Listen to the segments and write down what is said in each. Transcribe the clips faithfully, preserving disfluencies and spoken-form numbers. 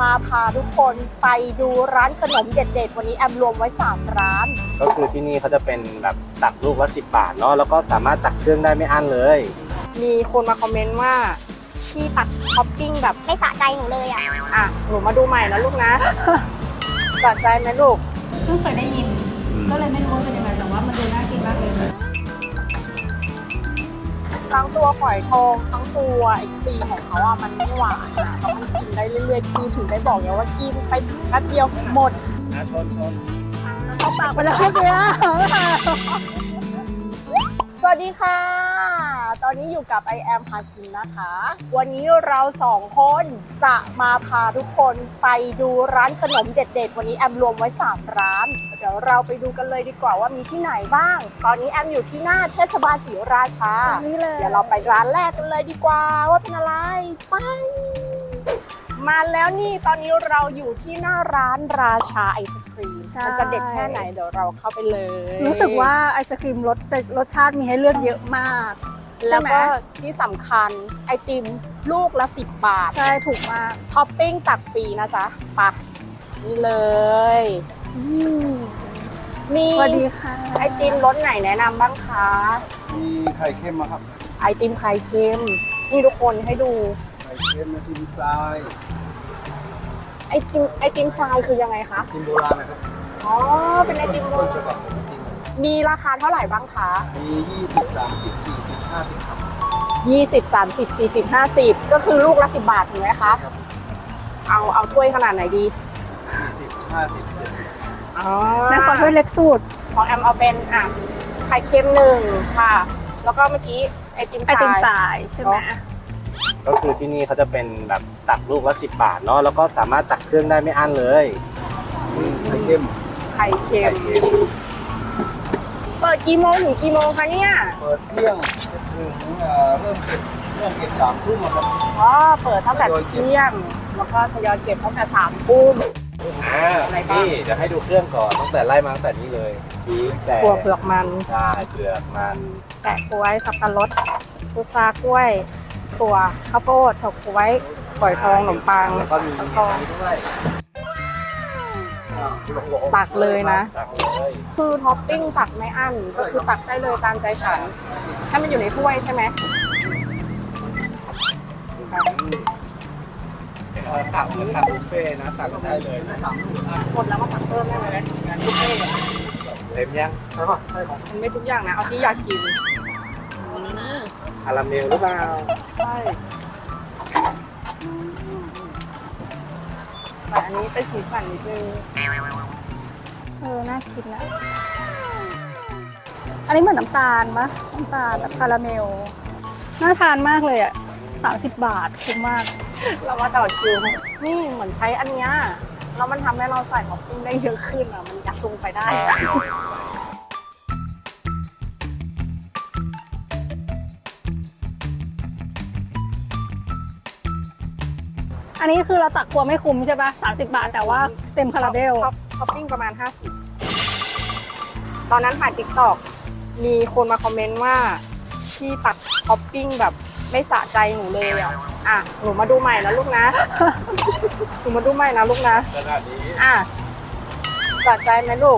มาพาทุกคนไปดูร้านขนมเด็ดๆวันนี้แอมรวมไว้สามร้านก็คือที่นี่เขาจะเป็นแบบตักลูกละสิบบาทเนาะแล้วก็สามารถตักเครื่องได้ไม่อั้นเลยมีคนมาคอมเมนต์ว่าที่ตักท็อปปิ้งแบบไม่สะใจหนูเลยอ่ะอ่ะหนูมาดูใหม่นะลูกนะสะใจไหมลูกเพิ่งเคยได้ยินก็เลยไม่รู้ว่าเป็นยังไงแต่ว่ามันดูน่ากินมากเลยทั้งตัวฝอยทองทั้งตัวไอ้ครีมของเขาอ่ะมันไม่หวานอ่ะแล้วมันกินได้เรื่อยๆคือถึงได้บอกไงว่ากินไปแป๊บเดียวหมดนะชนชนเอาปากไปแล้วเนี่ยสวัสดีค่ะตอนนี้อยู่กับ ไอ แอม พากินนะคะวันนี้เราสองคนจะมาพาทุกคนไปดูร้านขนมเด็ดๆวันนี้แอมรวมไว้สามร้านเดี๋ยวเราไปดูกันเลยดีกว่าว่ามีที่ไหนบ้างตอนนี้แอมอยู่ที่หน้าเทศบาลศรีราชาเดี๋ยวเราไปร้านแรกกันเลยดีกว่าว่าเป็นอะไรไปมาแล้วนี่ตอนนี้เราอยู่ที่หน้าร้านราชาไอศครีมมันจะเด็ดแค่ไหนเดี๋ยวเราเข้าไปเลยรู้สึกว่าไอศครีมรสรสชาติมีให้เลือกเยอะมากแล้วก็ที่สำคัญไอติมลูกละสิบบาทใช่ถูกมากท็อปปิ้งตักฟรีนะจ๊ะปะนี่เลยมีสวัสดีค่ะไอติมรสไหนแนะนำบ้างคะมีไข่เค็มมาครับไอติมไข่เค็มนี่ทุกคนให้ดูไข่เค็มไอติมทรายไอติมไอติมทรายคือยังไงคะไอติมโบราณนะครับอ๋อเป็นไอติมโบราณมีราคาเท่าไหร่บ้างคะมียี่สิบ สามสิบ สี่สิบ ห้าสิบครับยี่สิบ สามสิบ สี่สิบ ห้าสิบก็คือลูกละสิบบาทถูกไหมคะเอาเอาถ้วยขนาดไหนดีสี่สิบ ห้าสิบ เจ็ดสิบอ๋อนั่นขอถ้วยเล็กสุดของแอมเอาเป็นอ่ะไข่เค็มหนึ่งค่ะแล้วก็เมื่อกี้ไอติมทรายไอติมทรายใช่ไหมก็คือที่นี่เขาจะเป็นแบบตักลูกละสิบบาทเนาะแล้วก็สามารถตักเครื่องได้ไม่อั้นเลยไข่เค็มไข่เค็มเปิดกี่โมงถึงกี่โมงคะเนี่ยเปิดเที่ยงถึงเริ่มเก็บเริ่มเก็บสามทุ่มครับอ๋อเปิดตั้งแต่เที่ยงแล้วก็ทยอยเก็บตั้งแต่สามทุ่มอ่านี่จะให้ดูเครื่องก่อนตั้งแต่ไล่มาตั้งแต่นี้เลยพีกแต่ถั่วเปลือกมันใช่เปลือกมันแกะกล้วยสับปะรดพุทรากล้วยถั่วข้าวโพดถกกล้วยฝอยทองขนมปังแล้วก็มีทองด้วยตักเลยนะคือท็อปปิ้งตักไม่อั้นก็คือตักได้เลยตามใจฉันถ้ามันอยู่ในถ้วยใช่ไหมตักเหมือนตักบุฟเฟ่นะตักได้เลยหมดแล้วมาตักเพิ่มได้ไหมงานบุฟเฟ่เต็มยังใช่ป่ะใช่ของมันไม่ทุกอย่างนะเอาที่อยากกินคาราเมลหรือเปล่าใช่ใส่อันนี้เป็นสีสันนิดนึงเออน่ากินนะอันนี้เหมือนน้ำตาลมะน้ำตาลแบบคาราเมลน่าทานมากเลยอ่ะสามสิบบาทคุ้มมากเรามาต่อคิวนี่เหมือนใช้อันเนี้ยแล้วมันทำให้เราใส่ท็อปปิ้งได้เยอะขึ้นอ่ะมันยัดลงไปได้อันนี้คือเราตักครัวไม่คุ้มใช่ปะสามสิบบาทแต่ว่าเต็มคาราเบลท็อปปิ้งประมาณห้าสิบตอนนั้นถ่ายติ๊กต็อกมีคนมาคอมเมนต์ว่าที่ตัดท็อปปิ้งแบบไม่สะใจหนูเลยอ่ะอ่ะหนูมาดูใหม่นะลูกนะหนูมาดูใหม่นะลูกนะขนาดนี้อ่ะสะใจไหมลูก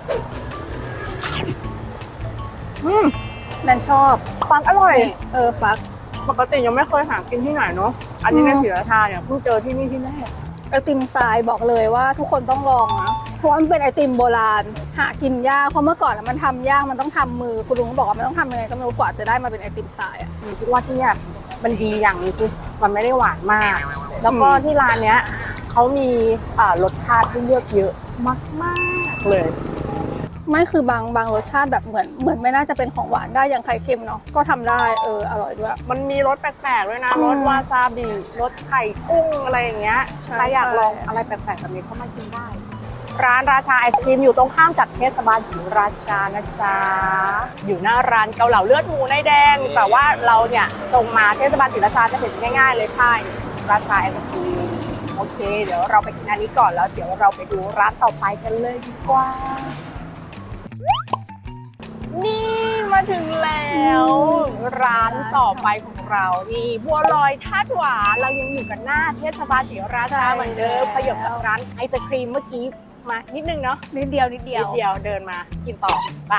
อืมแนนชอบฟักอร่อยเออฟักปกติยังไม่เคยหากินที่ไหนเนาะอันนี้ในศรีราชาเนี่ยเพิ่งเจอที่นี่ที่แรกไอติมทรายบอกเลยว่าทุกคนต้องลองนะเพราะมันเป็นไอติมโบราณหากินยากเพราะเมื่อก่อนมันทำยากมันต้องทำมือคุณลุงบอกว่ามันต้องทำยังไงก็ไม่รู้กว่าจะได้มาเป็นไอติมทรายอ่ะคิดว่าที่เนี่ยมันดีอย่างนึงคือมันไม่ได้หวานมากแล้วก็ที่ร้านเนี้ยเขามีรสชาติที่เลือกเยอะมากๆเลยไม่คือบางบางรสชาติแบบเหมือนเหมือนไม่น่าจะเป็นของหวานได้อย่างไข่เค็มเนาะก็ทำได้เอออร่อยด้วยมันมีรสแปลกๆด้วยนะรสวาซาบิรสไข่กุ้งอะไรอย่างเงี้ยใครอยากลองอะไรแปลกๆแบบนี้ก็มากินได้ร้านราชาไอศกรีมอยู่ตรงข้ามกับเทศบาลศรีราชานะจ๊ะอยู่หน้าร้านเกาเหลาเลือดหมูในแดงแต่ว่าเราเนี่ยตรงมาเทศบาลศรีราชาจะเห็นง่ายๆเลยค่ะราชาไอศกรีมโอเคเดี๋ยวเราไปกินอันนี้ก่อนแล้วเดี๋ยวเราไปดูร้านต่อไปกันเลยดีกว่านี่มามาถึงแล้วร้านต่อไปของเรานี่บัวลอยธาตุหวานเรายังอยู่กันหน้าเทศบาลศรีราชาเหมือนเดิมขยับจากร้านไอศครีมเมื่อกี้มานิดนึงเนาะนิดเดียวนิดเดีนิยวดเดียวเดินมากินต่อไป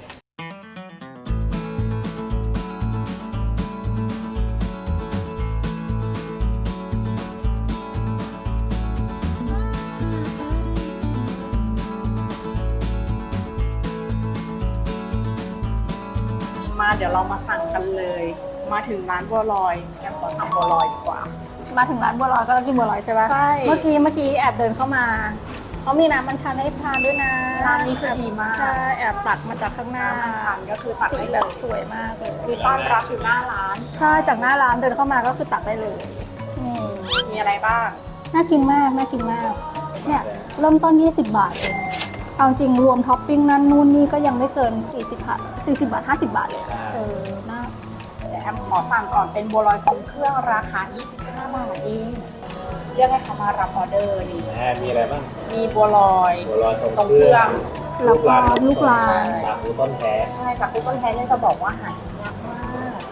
มาเดี๋ยวเรามาสั่งกันเลย มาถึงร้านบัวลอยแอมขอสั่งบัวลอยดีกว่ามาถึงร้านบัวลอยก็ต้องกินบัวลอยใช่ปะใช่เมื่อกี้เมื่อกี้แอบเดินเข้ามาเขามีน้ำมันชันให้ทานด้วยนะร้านนี้คือดีมากใช่แอบตักมาจากข้างหน้าน้ำมันชันก็คือตักสีได้แบเลบยสวยมากเลยมีต้อนรับอยู่หน้าร้านใช่จากหน้าร้านเดินเข้ามาก็คือตักได้เลยนี่มีอะไรบ้างน่ากินมากน่ากินมากเนี่ยเริ่มต้นยี่สิบบาทเองเอาจริงรวมท็อปปิ้งนั่นนู่นนี่ก็ยังไม่เกินสี่สิบบาทสี่สิบบาทห้าสิบบาทเลยเออน่าเดี๋ยวแอมขอสั่งก่อนเป็นบัวลอยทรงเครื่องราคายี่สิบห้าบาทเองเรียกให้เขามารับออเดอร์นี่แหมมีอะไรบ้างมีบัวลอยบัวลอยทรงเครื่องแล้วก็ลูกลาใช่นสาคูต้นแท้ใช่จากที่ต้นแท้เนี่ยจะบอกว่าหากินยากมาก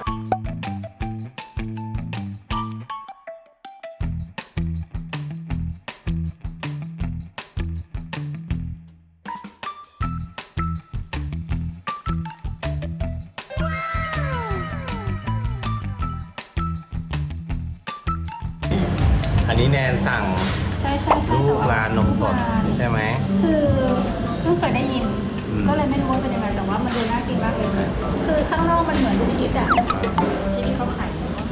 อันนี้แนนสั่งใช่ใช่ใช่ลูกลานนมสดใช่ไหมคือเพิ่งเคยได้ยินอืมก็เลยไม่รู้ว่าเป็นยังไงแต่ว่ามันดูน่ากินมากเลย คือข้างนอกมันเหมือนลูกชิดอ่ะที่นี่เขาขาย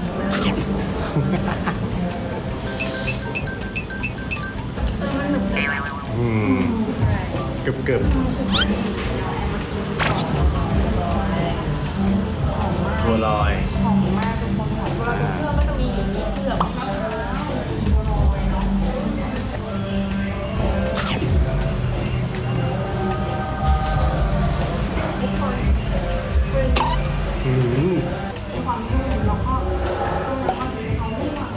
มันหนึบเลยอืมกึบกึบบัวลอยหอมมากทุกคนหอมบัวลอยทรงเครื่องก็จะมีอย่างนี้เผือกมะพร้าวมีบัวลอยเนาะทุกคนคืออืมมีความนุ่มแล้วก็แล้วก็มีความไม่หวาน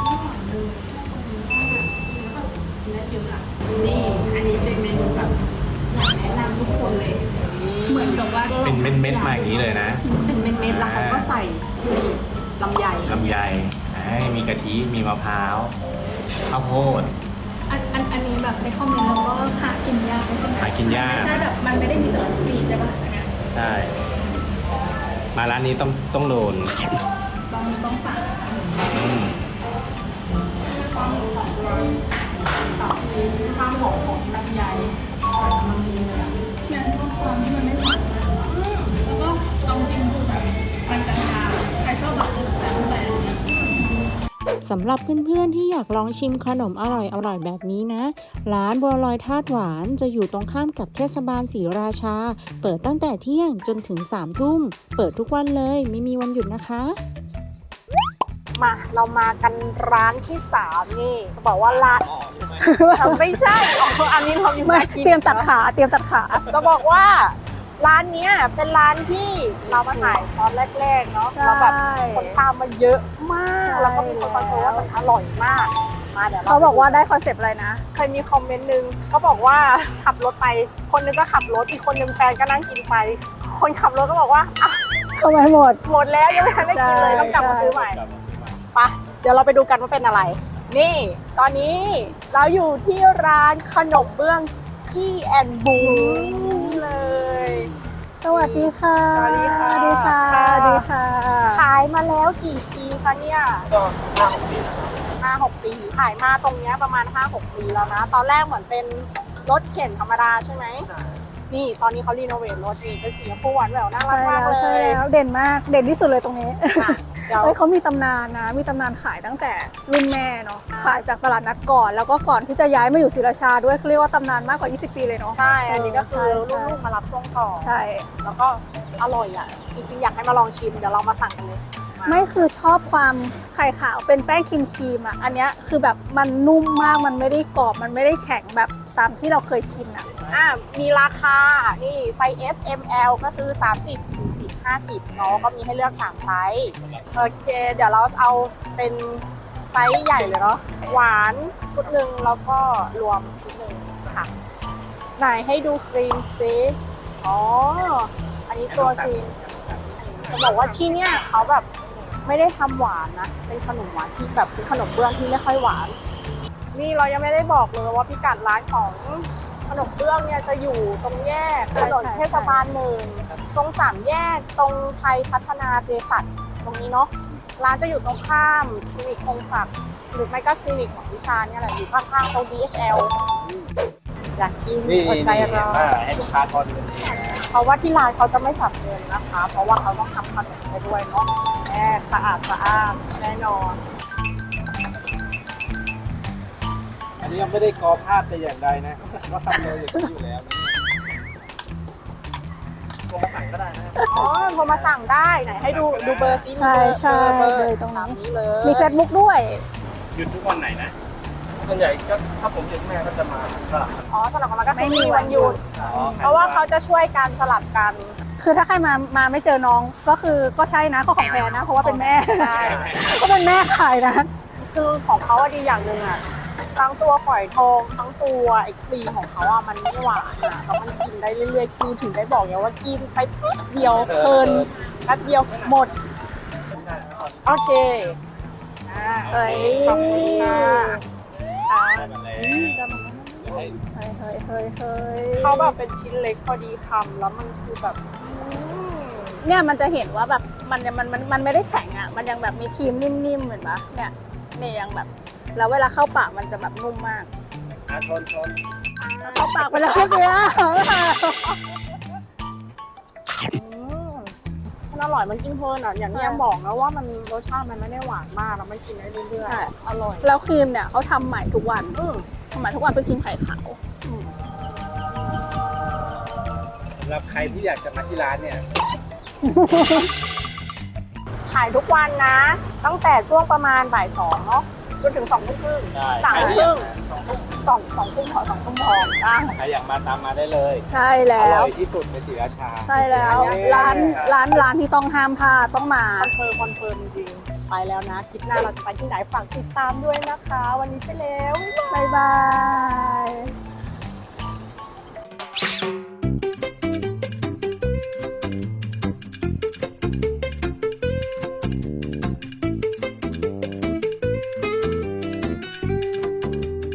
นี่ อันนี้เป็นเมนูแบบอยากแนะนำทุกคนเลย เหมือนกับว่าเป็นเม็ดเม็ดๆมาอย่างนี้เลยนะเป็นเม็ดๆแล้วเขาก็ใส่ลำไยลำไยให้มีกะทิ มีมะพร้าว ข้าวโพดอันอันอันนี้แบบในคอมเมนต์เราก็หากินยากใช่ไหมหากินยากไม่ใช่แบบมันไม่ได้มีตลอดปีใช่ปะอันเนี้ยใช่ มาร้านนี้ต้องต้องโดนต้องต้องสั่งอืมความหอมของเราตับความหอมของลำไยใส่กำลังดีเลยอะเนี่ยชอบความที่มันไม่หวานมากแล้วก็เอาจริงคือแบบมันกลางๆใครชอบแบบอื่นแบบอะไรอย่างเงี้ยสำหรับเพื่อนๆที่อยากลองชิมขนมอร่อยๆแบบนี้นะ ร้านบัวลอยธาตุหวานจะอยู่ตรงข้ามกับเทศบาลศรีราชา เปิดตั้งแต่เที่ยงจนถึงสามทุ่ม เปิดทุกวันเลยไม่มีวันหยุดนะคะมาเรามากันร้านที่สามนี่เขาบอกว่าร้านไม่ใช่อ๋ออันนี้เราอยู่ไม่กินเตรียมตัดขาเตรียมตัดขาจะบอกว่าร้านเนี้ยเป็นร้านที่เรามาถ่ายตอนแรกๆเนาะใช่แล้วแบบคนตามมาเยอะมากใช่แล้วก็มีคนคอนเฟิร์มว่ามันอร่อยมากมาเดี๋ยวเขาบอกว่าได้คอนเซปต์อะไรนะเคยมีคอมเมนต์นึงเขาบอกว่าขับรถไป คนนึงก็ขับรถอีกคนนึงแฟนก็นั่งกินไป คนขับรถก็บอกว่าอ่ะทำไมหมดหมดแล้วยังไม่ทันได้กินเลยใช่ต้องกลับมาใช่ซื้อใหม่ไปเดี๋ยวเราไปดูกันว่าเป็นอะไร นี่ ตอนนี้เราอยู่ที่ร้านขนมเบื้องกี้แอนบูนี่เลยสวัสดีค่ะสวัสดีค่ะสวัสดีค่ะสวัสดีค่ะขายมาแล้วกี่ปีคะเนี่ยก็ห้าหกปีนะห้าหกปี ขายมาตรงเนี้ยประมาณห้าหกปีแล้วนะ ตอนแรกเหมือนเป็นรถเข็นธรรมดาใช่ไหม นี่ตอนนี้เขารีโนเวทรถนี่เป็นสีชมพูหวานแหววน่ารักใช่มากแล้วเลใช่ยแล้วเด่นมากเด่นที่สุดเลยตรงนี้ค่ะเดี๋ยวเฮ้ยเขามีตำนานนะ มีตำนานขายตั้งแต่รุ่นแม่เนาะ ขายจากตลาดนัดก่อน แล้วก็ก่อนที่จะย้ายมาอยู่ศรีราชาด้วยเขาเรียกว่าตำนานมากกว่ายี่สิบปีเลยเนาะใช่ อันนี้ก็คือใช่ลูกๆมารับช่วงต่อใช่แล้วก็อร่อยอ่ะ จริงๆ อยากให้มาลองชิม เดี๋ยวเรามาสั่งกันเลยาไม่คือชอบความไข่ขาวเป็นแป้งครีมครีมๆอ่ะ อันเนี้ยคือแบบมันนุ่มมาก มันไม่ได้กรอบ มันไม่ได้แข็งแบบตามที่เราเคยกินอ่ะอ่ะมีราคา นี่ไซส์ เอส เอ็ม แอล ก็คือ สามสิบ สี่สิบ ห้าสิบเนาะ ก็มีให้เลือกสามไซส์ โอเค เดี๋ยวเราเอาเป็นไซส์ใหญ่เลยเนาะ หวานชุดหนึ่งแล้วก็รวมชุดหนึ่งค่ะ ไหนให้ดูครีมซิอ๋อ อันนี้ตัวครีมจะบอกว่าที่เนี่ยเขาแบบไม่ได้ทำหวานนะ เป็นขนมหวานที่แบบเป็นขนมเบื้องที่ไม่ค่อยหวาน นี่เรายังไม่ได้บอกเลยว่าพิกัดร้านของขนมเบื้องเนี่ยจะอยู่ตรงแยกถนนเทศบาลหนึ่งตรงสามแยกตรงไทยพัฒนาเภสัชตรงนี้เนาะร้านจะอยู่ตรงข้ามคลินิกคงศักดิ์หรือไม่ก็คลินิกของวิชาเนี่ยแหละอยู่ข้างๆตรง ดี เอช แอล อยากกินนี่อดนี่ใจรอว่าให้ลูกค้าทอนเงินเองนะเพราะว่าที่ร้านเขาจะไม่จับเงินนะคะ เพราะว่าเขาต้องทำขนมไปด้วยเนาะแน่สะอาดสะอาดแน่นอนอันนี้ยังไม่ได้กอภาพแต่อย่างใดนะก็ทำเลยอย่างนี้อยู่แล้วนะโทรมาสั่งก็ได้นะอ๋อโทรมาสั่งได้ไหนให้ดูดูเบอร์ซิใช่ใช่เบอร์เลยตรงตามนี้นี้เลยมี Facebook ด้วยหยุดทุกวันไหนนะส่วนใหญ่ก็ถ้าผมหยุดแม่ก็จะมาสลับกันอ๋อสลับกันมาก็ไม่คือมีมีวัวันนหหยุยุดดเพราะว่าเขาจะช่วยกันสลับกันคือถ้าใครมามาไม่เจอน้องก็คือก็ใช่นะก็ของแพรนะ เพราะว่าเป็นแม่ใช่ก็เป็นแม่ขายนะคือของเขาอะดีอย่างหนึ่งอะทั้งตัวฝอยทองทั้งตัวไอ้ครีมของเขาอะมันไม่หวานอะแล้วมันกินได้เรื่อยๆคือถึงได้บอกไงว่ากินไปแป๊บเดียวเพลินแป๊บเดียวหมดโอเคอ่าเอ้ยขอบคุณค่ะได้มาแล้วเดี๋ยวให้เฮ้ยเฮ้ยเฮ้ยเฮ้ยเขาแบบเป็นชิ้นเล็กพอดีคำแล้วมันคือแบบอืมเนี่ยมันจะเห็นว่าแบบมันมันมันมันไม่ได้แข็งอ่ะ มันยังแบบมีครีมนิ่มๆเหมือนปะเนี่ยเนี่ยยังแบบแล้วเวลาเข้าปากมันจะแบบนุ่มมากอาชนชนเข้าปากไปแล้วเมื่อกี้อืมมันอร่อยมันกินเพลินอ่ะอย่างที่แอมบอกนะว่ามันรสชาติมันไม่ได้หวานมากแล้วมันกินได้เรื่อยๆอร่อยแล้วครีมเนี่ยเขาทำใหม่ทุกวันอืมทำใหม่ทุกวันเป็นครีมไข่ขาวสำหรับใครที่อยากจะมาที่ร้านเนี่ยขายทุกวันนะ ตั้งแต่ช่วงประมาณบ่ายสองเนาะจนถึงสองทุ่มครึ่งได้สามใครทุ่มที่ครึ่งอยากมาสองสองทุ่มพอสองทุ่มพออ่ะใครอยากมาตามมาได้เลยใช่อแล้ร่วอยที่สุดในศรีราชาใช่แล้ว ร้านร้านร้านที่ต้องห้ามพลาดต้องมาคอนเฟิร์มคอนเฟิร์มจริงๆไปแล้วนะคลิปหน้าเราจะไปที่ไหนฝากติดตามด้วยนะคะ วันนี้ไปแล้วบ๊ายบาย